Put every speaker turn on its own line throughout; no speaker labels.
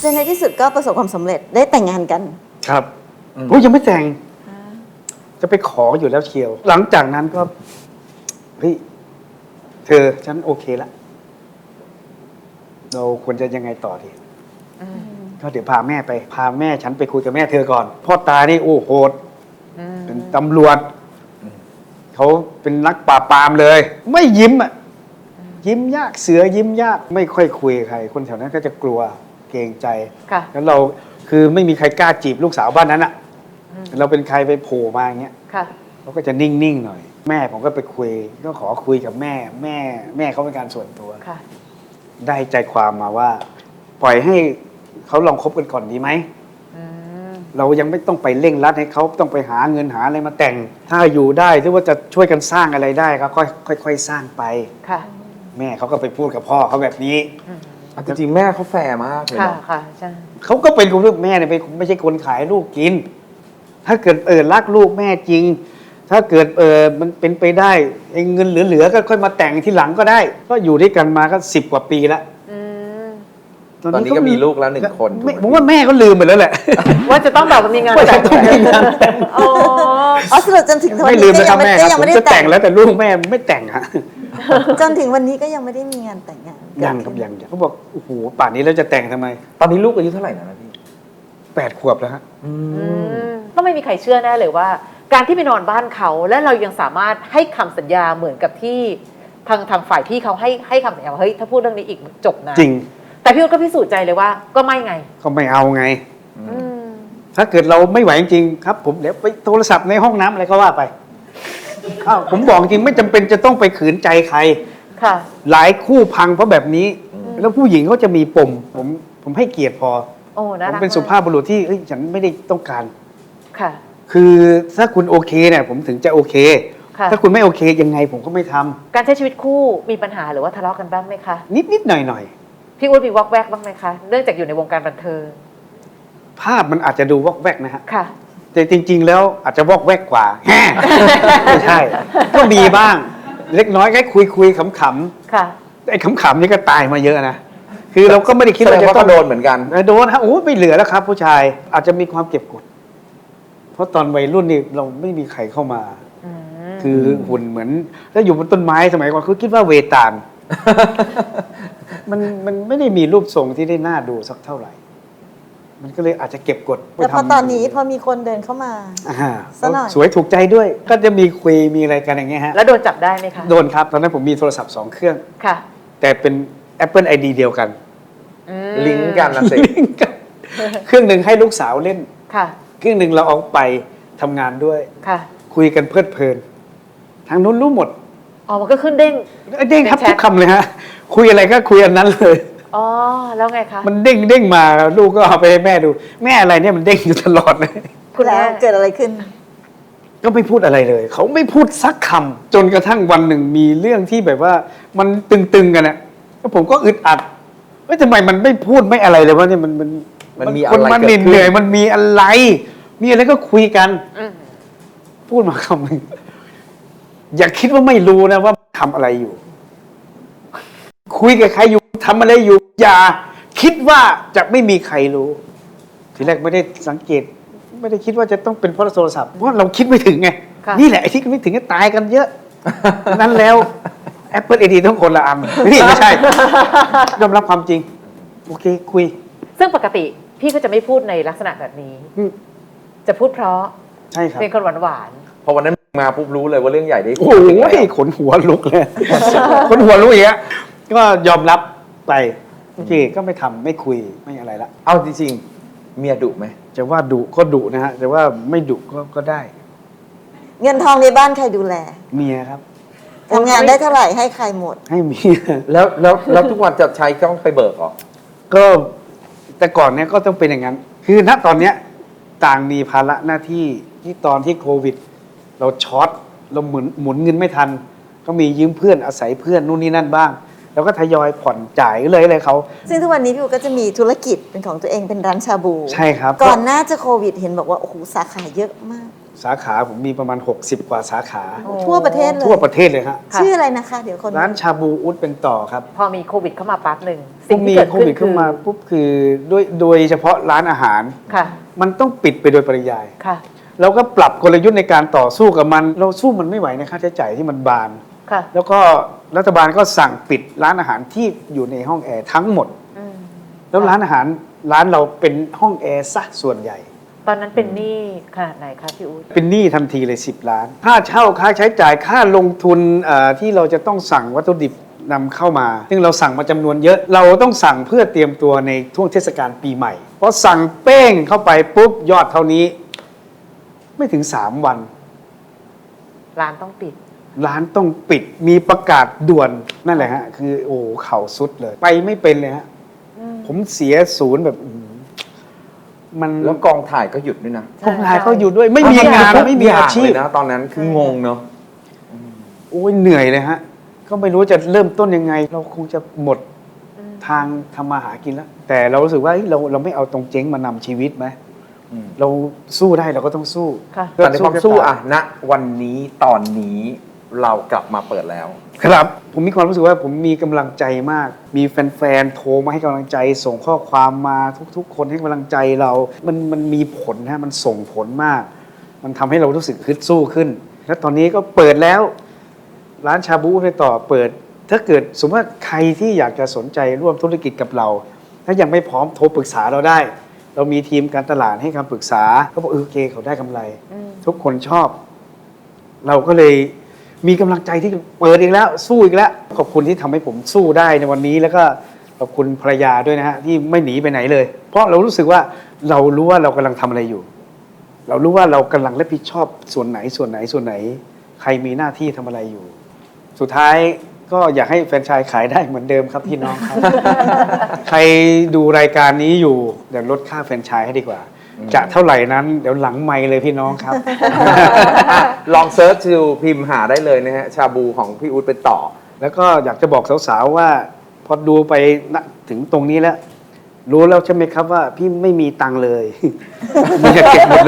จนในที่สุดก็ประสบความสำเร็จได้แต่งงานกัน
ครับผมยังไม่แต่งจะไปขออยู่แล้วเชียวหลังจากนั้นก็เฮ้ยเธอฉันโอเคละเราควรจะยังไงต่อดีก็เดี๋ยวพาแม่ไปพาแม่ฉันไปคุยกับแม่เธอก่อนพ่อตานี่โอ้โหดเป็นตำรวจเขาเป็นนักปราบปรามเลย ไม่ยิ้มอ่ะยิ้มยากเสือยิ้มยากไม่ค่อยคุยกับใครคนแถวนั้นก็จะกลัวเกรงใจแล้วเราคือไม่มีใครกล้าจีบลูกสาวบ้านนั้นอ่ะเราเป็นใครไปโผล่มาอย่างเงี้ยเขาก็จะนิ่งๆหน่อยแม่ผมก็ไปคุยก็ขอคุยกับแม่เขาเป็นการส่วนตัวได้ใจความมาว่า ปล่อยให้เขาลองคบกันก่อนดีไหมเรายังไม่ต้องไปเร่งรัดให้เขาต้องไปหาเงินหาอะไรมาแต่งถ้าอยู่ได้หรือว่าจะช่วยกันสร้างอะไรได้ก็ค่อยๆสร้างไปแม่เขาก็ไปพูดกับพ่อเขาแบบนี้
จริงๆแม่เขาแฟร์มากเลยนะ
ใช่
เขาก็เป็นคนลูกแม่เนี่ยไม่ใช่คนขายลูกกินถ้าเกิดรักลูกแม่จริงถ้าเกิดมันเป็นไปได้เงินเหลือๆก็ค่อยมาแต่งทีหลังก็ได้ก็อยู่ด้วยกันมาก็10 กว่าปีแล้ว
ตอนนี้ก็มีลูกแล้ว1 คน
ผมว่าแม่ก็ลืมไปแล้วแหละ
ว่าจะต้องแบบมีงานแต่งอ๋อสรุปจนถึงวันนี้ก็ยังไม่ได้
แต่งแล้วแต่ลูกแม่ไม่แต่งฮะ
จนถึงวันนี้ก็ยังไม่ได้มีงานแต่งงาน
ยังครับยังเขาบอกโอ้โหป่านนี้แล้วจะแต่งทำไม
ตอนนี้ลูกอายุเท่าไหร่นะพี่
8 ขวบแล้วฮะ
ก็ไม่มีใครเชื่อแน่เลยว่าการที่ไปนอนบ้านเขาและเรายังสามารถให้คำสัญญาเหมือนกับที่ทางฝ่ายพี่เขาให้คำสัญญาว่าเฮ้ยถ้าพูดเรื่องนี้อีกจบนะ
จริง
แต่พี่ก็พิสูจน์ใจเลยว่าก็ไม่ไง
ก็ไม่เอาไงถ้าเกิดเราไม่ไหวจริงครับผมเดี๋ยวไปโทรศัพท์ในห้องน้ำอะไรก็ว่าไปผมบอกจริงไม่จำเป็นจะต้องไปขืนใจใครหลายคู่พังเพราะแบบนี้แล้วผู้หญิงเขาจะมีปมผมให้เกียรติพอผมเป็นสุภาพบุรุษที่ฉันไม่ได้ต้องการคือถ้าคุณโอเคเนี่ยผมถึงจะโอเคถ้าคุณไม่โอเคยังไงผมก็ไม่ทำ
การใช้ชีวิตคู่มีปัญหาหรือว่าทะเลาะกันบ้างไหมคะ
นิดหน่อย
พี่อุ้ยมีวอกแวกบ้างไหมคะเนื่องจากอยู่ในวงการบันเทิง
ภาพมันอาจจะดูวอกแวกนะฮะ
ค่ะ
แต่จริงๆแล้วอาจจะวอกแวกกว่าไม่ใช่ก็มีบ้างเล็กน้อยแค่คุยขำๆ
ค่ะ
ไอ้ขำๆนี่ก็ตายมาเยอะนะคือเราก็ไม่ได้คิดว่า
จะต้องโดนเหมือนกัน
โดนฮะโอ้ไม่เหลือแล้วครับผู้ชายอาจจะมีความเก็บกดเพราะตอนวัยรุ่นนี่เราไม่มีใครเข้ามาคือหุ่นเหมือนถ้าอยู่บนต้นไม้สมัยก่อนคือคิดว่าเวตาลมันไม่ได้มีรูปทรงที่ได้น่าดูสักเท่าไหร่มันก็เลยอาจจะเก็บกด
แต่พอตอนนี้พอมีคนเดินเข้ามา
สวยถูกใจด้วยก็จะมีคุยมีอะไรกันอย่างเงี้ยฮะ
แล้วโดนจับได้ไหมคะ
โดนครับตอนนั้นผมมีโทรศัพท์2 เครื่อง
ค่ะ
แต่เป็น Apple ID เดียวกัน
ลิงก์กันนะสิ
เครื่องหนึ่งให้ลูกสาวเล่น
ค่ะ
เครื่องหนึ่งเราเอาไปทำงานด้วย
ค่ะ
คุยกันเพลิดเพลินทางนู้นรู้หมด
มันก็ขึ้นเด้ง
ครับทุกคำเลยฮะคุยอะไรก็คุยอันนั้นเลย
แล้วไงคะ
มันเด้งมาลูกก็เอาไปให้แม่ดูแม่อะไรเนี่ยมันเด้งอยู่ตลอดเลย
คุณแล้วเกิดอะไรขึ้น
ก็ไม่พูดอะไรเลยเขาไม่พูดสักคำจนกระทั่งวันหนึ่งมีเรื่องที่แบบว่ามันตึงๆกันนะแล้วผมก็อึดอัดทำไมมันไม่พูดไม่อะไรเลยวะเนี่ย
มันมี
อะไรมันเหนื่อยมันมีอะไรก็คุยกันพูดมาคำหนึ่งอย่าคิดว่าไม่รู้นะว่าทำอะไรอยู่คุยกับใครอยู่ทำอะไรอยู่อย่าคิดว่าจะไม่มีใครรู้ทีแรกไม่ได้สังเกตไม่ได้คิดว่าจะต้องเป็นเพราะโทรศัพท์เพราะเราคิดไม่ถึงไงนี่แหละไอ้ที่ไม่ถึงก็ตายกันเยอะนั้นแล้ว Apple ID ต้องคนละอันนี่ไม่ใช่ยอมรับความจริงโอเคคุย
ซึ่งปกติพี่ก็จะไม่พูดในลักษณะแบบนี้จะพูดเพราะ
ใช่ครับ
เป็นคนหวาน
พอวันนั้นมาปุ๊บรู้เลยว่าเรื่องใหญ่ได้
โอ้ยขนหัวลุกเลยขนหัวลุกอย่างเงี้ยก็ยอมรับไปโอเคก็ไม่ทำไม่คุยไม่อะไรละ
เอาจริงๆเมียดุไหม
จะว่าดุก็ดุนะฮะแต่ว่าไม่ดุก็ได้
เงินทองในบ้านใครดูแล
เมียครับ
ทำงานได้เท่าไหร่ให้ใครหมด
ให้เมีย
แล้วทุกวันจะใช้ต้องไปเบิกหรอ
ก็แต่ก่อนเนี้ยก็ต้องเป็นอย่างนั้นคือณตอนเนี้ยต่างมีภาระหน้าที่ตอนที่โควิดเราช็อตเราหมุนเงินไม่ทันก็มียืมเพื่อนอาศัยเพื่อนนู่นนี่นั่นบ้างแล้วก็ทยอยผ่อนจ่ายเลยอะไรเขา
ซึ่งทุกวันนี้พี่อู๋ก็จะมีธุรกิจเป็นของตัวเองเป็นร้านชาบู
ใช่ครับ
ก่อนหน้าจะโควิดเห็นบอกว่าโอ้โหสาขาเยอะมาก
สาขาผมมีประมาณ 60 กว่าสาขา
ทั่วประเทศเลย
ทั่วประเทศเลยฮะ
ชื่ออะไรนะคะ เดี๋ยวคน
ร้านชาบูอุดเป็นต่อครับ
พอมีโควิดเข้ามาปั๊บหนึ่ง
พ
สิ่
อง
ที่
มี
เกิด
โค
ขึ้น
วิด
คื
เข้า
อ
มาปุ๊บคือโดยเฉพาะร้านอาหาร
ค่ะ
มันต้องปิดไปโดยปริยาย
ค่ะ
เราก็ปรับกลยุทธ์ในการต่อสู้กับมัน เราสู้มันไม่ไหวในค่าใช้จ่ายที่มันบาน
ค่ะ
แล้วก็รัฐบาลก็สั่งปิดร้านอาหารที่อยู่ในห้องแอร์ทั้งหมด
อืม
แล้วร้านอาหารร้านเราเป็นห้องแอร์ซะส่วนใหญ่
ตอนนั้นเป็นหนี้ขนาดไหนคะพี่อู๊ด
เป็นหนี้ทันทีเลย10 ล้าน ค่าเช่าค่าใช้จ่ายค่าลงทุนที่เราจะต้องสั่งวัตถุดิบนำเข้ามา ซึ่งเราสั่งมาจำนวนเยอะ เราต้องสั่งเพื่อเตรียมตัวในช่วงเทศกาลปีใหม่เพราะสั่งเป้งเข้าไปปุ๊บยอดเท่านี้ ไม่ถึง3 วัน
ร้านต้องปิด
ร้านต้องปิดมีประกาศด่วนนั่นแหละฮะคือโอ้เข่าสุดเลย ไปไม่เป็นเลยฮะผมเสียศูนย์แบบมัน
แล้วกองถ่ายก็หยุดด้วยนะ
กองถ่ายเขาอยู่ด้วยไม่มีงานไม่มีอาชีพ
เลยนะตอนนั้นคืองงเนาะ
โอ้ยเหนื่อยเลยฮะ ก็ไม่รู้จะเริ่มต้นยังไง เราคงจะหมดทางทำมาหากินแล้ว แต่เรารู้สึกว่าเฮ้ยเราไม่เอาตรงเจ๊งมานำชีวิตไหม
อืม
เราสู้ได้เราก็ต้องสู้
ค่ะ
แต่ในความสู้อะณวันนี้ตอนนี้เรากลับมาเปิดแล้ว
ครับ ผมมีความรู้สึกว่าผมมีกำลังใจมาก มีแฟนๆโทรมาให้กำลังใจ ส่งข้อความมาทุกๆ คนให้กำลังใจเรา มันมีผลฮะมันส่งผลมาก มันทำให้เรารู้สึกฮึดสู้ขึ้น แล้วตอนนี้ก็เปิดแล้ว ร้านชาบูไปต่อเปิด ถ้าเกิดสมมติว่าใครที่อยากจะสนใจร่วมธุรกิจกับเรา ถ้ายังไม่พร้อมโทรปรึกษาเราได้ เรามีทีมการตลาดให้คำปรึกษาเขาบอกโอเคเขาได้กำไร ทุกคนชอบ เราก็เลยมีกำลังใจที่เปิดอีกแล้วสู้อีกแล้ว ขอบคุณที่ทำให้ผมสู้ได้ในวันนี้ แล้วก็ขอบคุณภรรยาด้วยนะฮะที่ไม่หนีไปไหนเลย เพราะเรารู้สึกว่าเรารู้ว่าเรากำลังทำอะไรอยู่ เรารู้ว่าเรากำลังรับผิดชอบส่วนไหน ใครมีหน้าที่ทำอะไรอยู่ สุดท้ายก็อยากให้แฟรนไชส์ขายได้เหมือนเดิมครับพี่น้องครับ ใครดูรายการนี้อยู่เดี๋ยวลดค่าแฟรนไชส์ให้ดีกว่า จะเท่าไหร่นั้นเดี๋ยวหลังไมค์เลยพี่น้องครับ
ลองเซิร์ชดูพิมพ์หาได้เลยนะฮะ ชาบูของพี่อู๊ดเป็นต่อ
แล้วก็อยากจะบอกสาวๆว่า พอดูไปณถึงตรงนี้แล้ว รู้แล้วใช่ไหมครับว่าพี่ไม่มีตังค์เลย มีแต่เก็บหมดเลย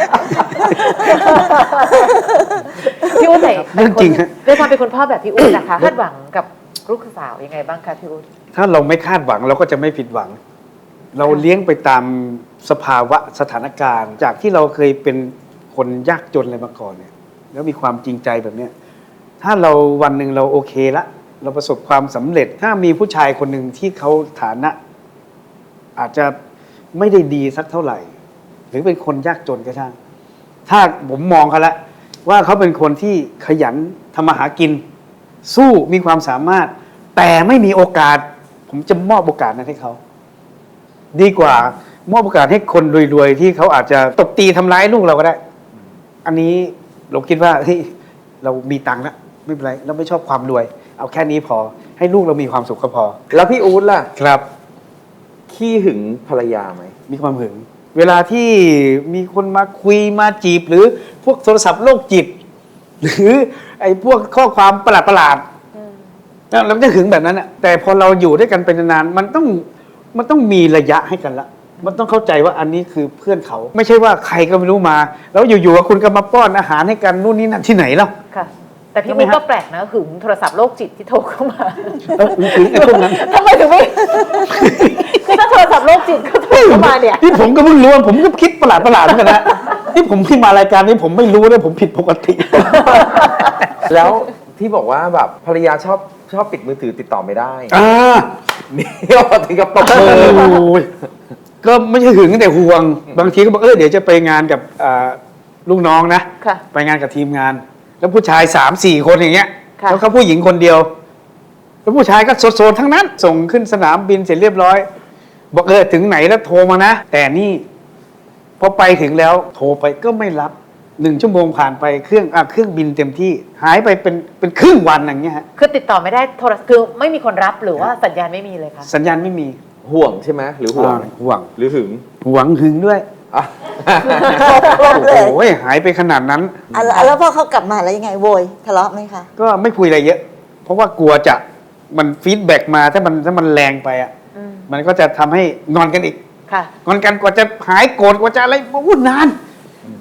พี่อู๊ดไหน
เรื่องจริงฮะ
ด้วยความเป็นคุณพ่อแบบพี่อู๊ดนะคะคาดหวังกับลูกสาวยังไงบ้างคะพี่อู๊ด
ถ้าเราไม่คาดหวังเราก็จะไม่ผิดหวัง เราเลี้ยงไปตามสภาวะสถานการณ์ จากที่เราเคยเป็นคนยากจนอะไรมาก่อนเนี่ย แล้วมีความจริงใจแบบเนี้ยถ้าเราวันหนึ่งเราโอเคละเราประสบความสำเร็จ ถ้ามีผู้ชายคนหนึ่งที่เขาฐานะ อาจจะไม่ได้ดีสักเท่าไหร่ หรือเป็นคนยากจนก็ช่าง ถ้าผมมองเขาละว่าเขาเป็นคนที่ขยันทำมาหากิน สู้มีความสามารถ แต่ไม่มีโอกาส ผมจะมอบโอกาสนั้นให้เขา ดีกว่ามอบโอกาสให้คนรวยๆที่เขาอาจจะตบตีทำร้ายลูกเราก็ได้ อันนี้เราคิดว่าเฮ้ยเรามีตังค์แล้วไม่เป็นไรเราไม่ชอบความรวย เอาแค่นี้พอ ให้ลูกเรามีความสุขก็พอ
แล้วพี่อู๊ดล่ะ
ครับ
ขี้หึงภรรยาไหม
มีความหึง เวลาที่มีคนมาคุยมาจีบ หรือพวกโทรศัพท์โรคจิต หรือไอ้พวกข้อความประหลาดๆเราจะหึงแบบนั้นอะแต่พอเราอยู่ด้วยกันเป็นนานๆมันต้องมีระยะให้กันละ มันต้องเข้าใจว่าอันนี้คือเพื่อนเขา ไม่ใช่ว่าใครก็ไม่รู้มา แล้วอยู่ๆคุณก็มาป้อนอาหารให้กันนู่นนี่นั่นที่ไหนแล้ว
ค่ะ แต่พี่
ใช่ไหม
อู๊ด
ฮะ
ก็แปลกนะหึงโทรศัพท์โรคจิตที่โทรเข้ามา
หึงไอ้พวกนั้น
ทำไมถึงไม่ คือถ้าโทรศัพท์โรคจิตเขาโทรเข้ามาเนี่ย
ที่ผมก็เพิ่งรู้ผมก็คิดประหลาดเหมือนกันนะที่ผมที่มารายการนี้ผมไม่รู้เลยผมผิดปกติ
แล้วที่บอกว่าแบบภรรยาชอบปิดมือถือติดต่อไม่ได้ นี่ถึงกับตบมือ
โอ้ยก็ไม่ใช่หึงแต่ห่วง บางทีก็บอกเดี๋ยวจะไปงานกับลูกน้องนะ
ค่ะ
ไปงานกับทีมงาน แล้วผู้ชาย3-4 คนอย่างเงี้ย
ค่ะ
แล้วเขาผู้หญิงคนเดียว แล้วผู้ชายก็โซนๆทั้งนั้น ส่งขึ้นสนามบินเสร็จเรียบร้อย บอกถึงไหนแล้วโทรมานะ แต่นี่พอไปถึงแล้วโทรไปก็ไม่รับ1 ชั่วโมงผ่านไปเครื่องบินเต็มที่หายไปเป็นครึ่งวันอย่างเงี้ยฮะ
คือติดต่อไม่ได้โทรคือไม่มีคนรับหรือว่าสัญญาณไม่มีเลยค่ะ
สัญญาณไม่มี
ห่วงใช่ไหมหรือห่วง
ห่วง
หรือหึง
หวังหึงด้วย
อ่ะ
ครบเลย
โอ้ยหายไปขนาดนั้น
แล้วพอเขากลับมาแล้วยังไงโวยทะเลาะไหมคะ
ก็ไม่คุยอะไรเยอะ เพราะว่ากลัวจะมันฟีดแบ็กมาถ้ามันแรงไปอ่ะ
อืม
มันก็จะทำให้งอนกันอีก
ค่ะ
งอนกันกว่าจะหายโกรธกว่าจะอะไรวุ่นนาน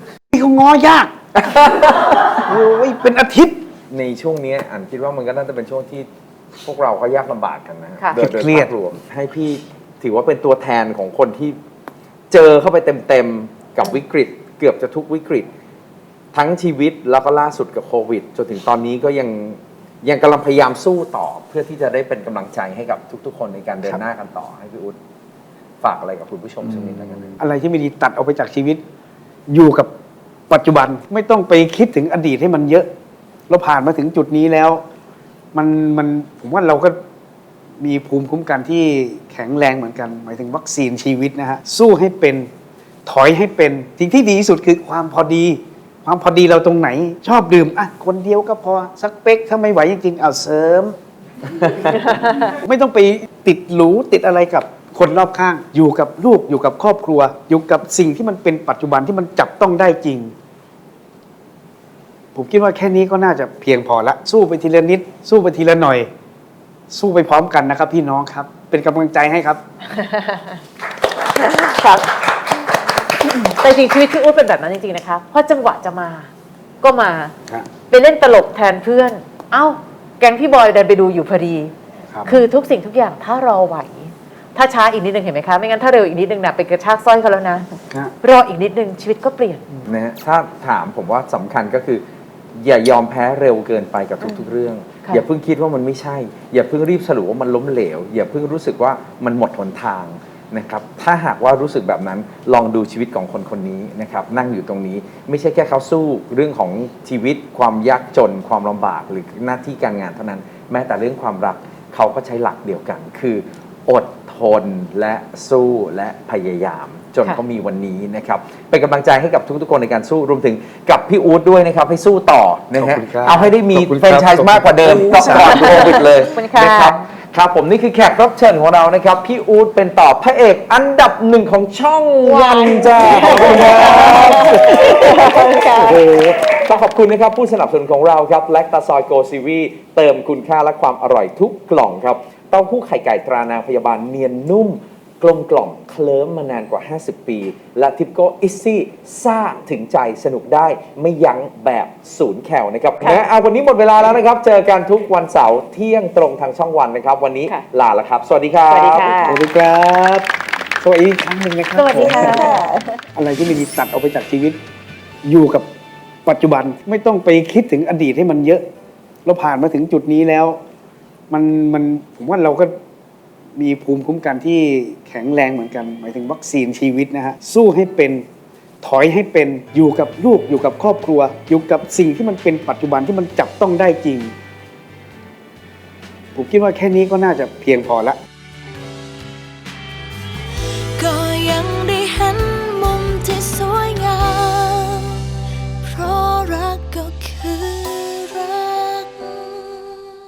เขาง้อยาก โอ้ยเป็นอาทิตย์
ในช่วงนี้อันคิดว่ามันก็น่าจะเป็นช่วงที่พวกเราก็ยากลำบากกันนะ
ค่ะ
โดย
เครียด
ภาพรวมให้พี่ถือว่าเป็นตัวแทนของคนที่เจอเข้าไปเต็มๆกับวิกฤต เกือบจะทุกวิกฤต ทั้งชีวิตแล้วก็ล่าสุดกับโควิดจนถึงตอนนี้ก็ยังกำลังพยายามสู้ต่อ เพื่อที่จะได้เป็นกำลังใจให้กับทุกๆ คนในการเดินหน้ากันต่อให้พี่อุ๊ดฝากอะไรกับคุณผู้ชมสักนิดแล้วกัน
อะไรที่ไม่ดีตัดออกไปจากชีวิต อยู่กับปัจจุบันไม่ต้องไปคิดถึงอดีตให้มันเยอะ เราผ่านมาถึงจุดนี้แล้ว มันผมว่าเราก็มีภูมิคุ้มกันที่แข็งแรงเหมือนกัน หมายถึงวัคซีนชีวิตนะฮะสู้ให้เป็นถอยให้เป็นสิ่งที่ดีที่สุดคือความพอดี ความพอดีเราตรงไหน ชอบดื่มอ่ะคนเดียวก็พอสักเป๊กถ้าไม่ไหวจริงๆเอาเสริม ไม่ต้องไปติดหรูติดอะไรกับคนรอบข้าง อยู่กับลูกอยู่กับครอบครัว อยู่กับสิ่งที่มันเป็นปัจจุบันที่มันจับต้องได้จริง ผมคิดว่าแค่นี้ก็น่าจะเพียงพอละสู้ไปทีละนิด สู้ไปทีละหน่อย สู้ไปพร้อมกันนะครับ พี่น้องครับ เป็นกำลังใจให้ครับ
ครับแต่จริงชีวิตพี่อุ๊ดเป็นแบบนั้นจริงๆนะคะเพราะจังหวะจะมาก็มา
ครับ
ไปเล่นตลกแทนเพื่อน เอ้า แก๊งพี่บอยเดินไปดูอยู่พอดี
ครับ
คือทุกสิ่งทุกอย่างถ้ารอไหว ถ้าช้าอีกนิดนึงเห็นไหมคะ ไม่งั้นถ้าเร็วอีกนิดนึงนะไปกระชากสร้อยเขาแล้วนะ
ครับ
รออีกนิดนึงชีวิตก็เปลี่ยน
นะฮะถ้าถามผมว่าสำคัญก็คือ อย่ายอมแพ้เร็วเกินไปกับทุกๆเรื่อง
ค่ะ
อย่าเพิ่งคิดว่ามันไม่ใช่ อย่าเพิ่งรีบสรุปว่ามันล้มเหลว อย่าเพิ่งรู้สึกว่ามันหมดหนทางนะครับถ้าหากว่ารู้สึกแบบนั้นลองดูชีวิตของคนคนนี้นะครับนั่งอยู่ตรงนี้ไม่ใช่แค่เขาสู้เรื่องของชีวิตความยากจนความลำบากหรือหน้าที่การงานเท่านั้น แม้แต่เรื่องความรักเขาก็ใช้หลักเดียวกัน คืออดทนและสู้และพยายามจน
ค่ะ
เขามีวันนี้นะครับเป็นกำลังใจให้กับทุกๆคนในการสู้รวมถึงกับพี่อู๊ดด้วยนะครับให้สู้ต่อนะ
ขอบ
ฮะ
คุณครับ
เอาให้ได้มี
ขอบคุณ
แฟรนไช
ครั
ส์
บ
มากกว่าเดิมก็ก่อนโควิดเลย
ขอบคุณค่ะ
นะครับครับผมนี่คือแขกรับเชิญของเรานะครับพี่อู๊ดเป็นต่อพระเอกอันดับหนึ่งของช่องวันจ้าขอบคุณครับ โอ้โหต้องขอบคุณนะครับผู้สนับสนุนของเราครับแลคตาซอยโกซีวีเติมคุณค่าและความอร่อยทุกกล่องครับเต้าหู้ไข่ไก่ตรานางพยาบาลเนียนนุ่ม กลมกล่อมเคลิ้มมานานกว่า 50 ปี และทิปโก้อิซซี่ซ่าถึงใจสนุกได้ไม่ยั้งแบบศูนย์แคลนะครับนะเอาวันนี้หมดเวลาแล้วนะครับ เจอกันทุกวันเสาร์เที่ยงตรงทางช่องวันนะครับ วันนี้
ค่ะ
ลาแล้วครับ สวัสดีครับ
สวัสดีค่ะ
สวัสดีครับสวัสดีอีกครั้งหนึ่งนะครับ
สวัสดีค่ะ
อะไรที่ไม่ดีตัดออกไปจากชีวิต อยู่กับปัจจุบันไม่ต้องไปคิดถึงอดีตให้มันเยอะ เราผ่านมาถึงจุดนี้แล้ว มันผมว่าเราก็มีภูมิคุ้มกันที่แข็งแรงเหมือนกัน หมายถึงวัคซีนชีวิตนะฮะสู้ให้เป็นถอยให้เป็นอยู่กับลูกอยู่กับครอบครัว อยู่กับสิ่งที่มันเป็นปัจจุบันที่มันจับต้องได้จริง ผมคิดว่าแค่นี้ก็น่าจะเพียงพอละ